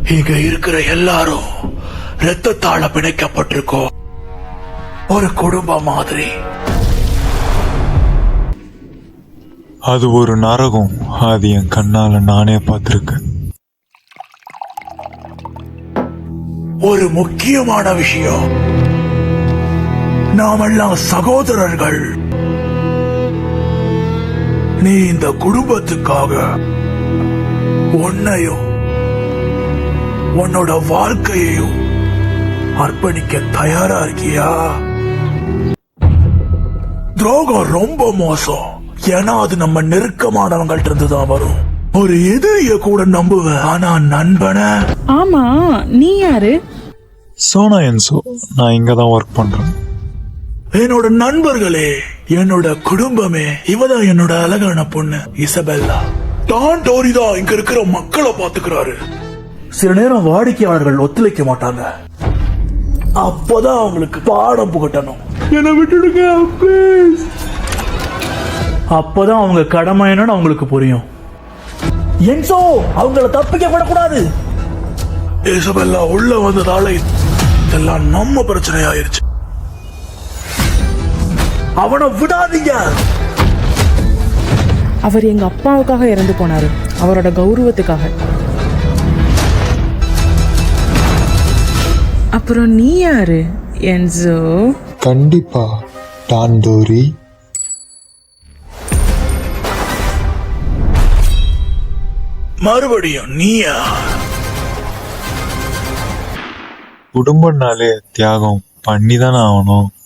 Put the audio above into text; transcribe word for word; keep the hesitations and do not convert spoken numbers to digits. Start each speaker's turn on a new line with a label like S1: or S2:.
S1: இங்க இருக்கிற எல்லாரும் ரத்தத்தால பிணைக்கப்பட்டிருக்கோம், ஒரு குடும்பம் மாதிரி.
S2: அது ஒரு நரகம். அது என் கண்ணால நானே பார்த்திருக்கேன்.
S1: ஒரு முக்கியமான விஷயம், நாமெல்லாம் சகோதரர்கள். நீ இந்த குடும்பத்துக்காக உன்னையும் உன்னோட வாழ்க்கையையும் அர்ப்பணிக்க தயாரா இருக்கியா? துரோகம் ரொம்ப மோசம், ஏன்னா அது நம்ம நெருக்கமானவங்கள்ட்ட இருந்துதான் வரும். ஒரு எதிரிய கூட நம்புவேன், ஆனா நண்பனை.
S3: ஆமா, நீ யாரு?
S2: சோனா என்சோ, நான் இங்கதான் ஒர்க் பண்றேன்.
S1: என்னோட நண்பர்களே, என்னோட குடும்பமே, இவதான் என்னோட அழகான பொண்ணு இசபெல்லா. டான் டோரி தான் இங்க இருக்கிற மக்களை பாத்துக்கிறாரு. சில நேரம் வாடிக்கையாளர்கள் ஒத்துழைக்க மாட்டாங்க, அப்பதான் அவங்களுக்கு பாடம் புகட்டணும். என்ன விட்டுடுங்க ப்ளீஸ். அப்பதான் அவங்க கடமை என்னன்னு அவங்களுக்கு புரியும். என்சோ, அவங்கள தப்பிக்க விடக்கூடாது. இசபெல்லா உள்ள வந்ததால இதெல்லாம் நம்ம பிரச்சனை ஆயிருச்சு. அவனை விடாதீங்க.
S3: அவர் எங்க அப்பாவுக்காக இறந்து போனாரு, அவரோட கௌரவத்துக்காக. அப்புறம் நீ யாரு என்சோ?
S2: கண்டிப்பா டான்டோரி.
S1: மறுபடியும் நீயா?
S2: குடும்பம்னாலே தியாகம் பண்ணிதானே ஆகணும்.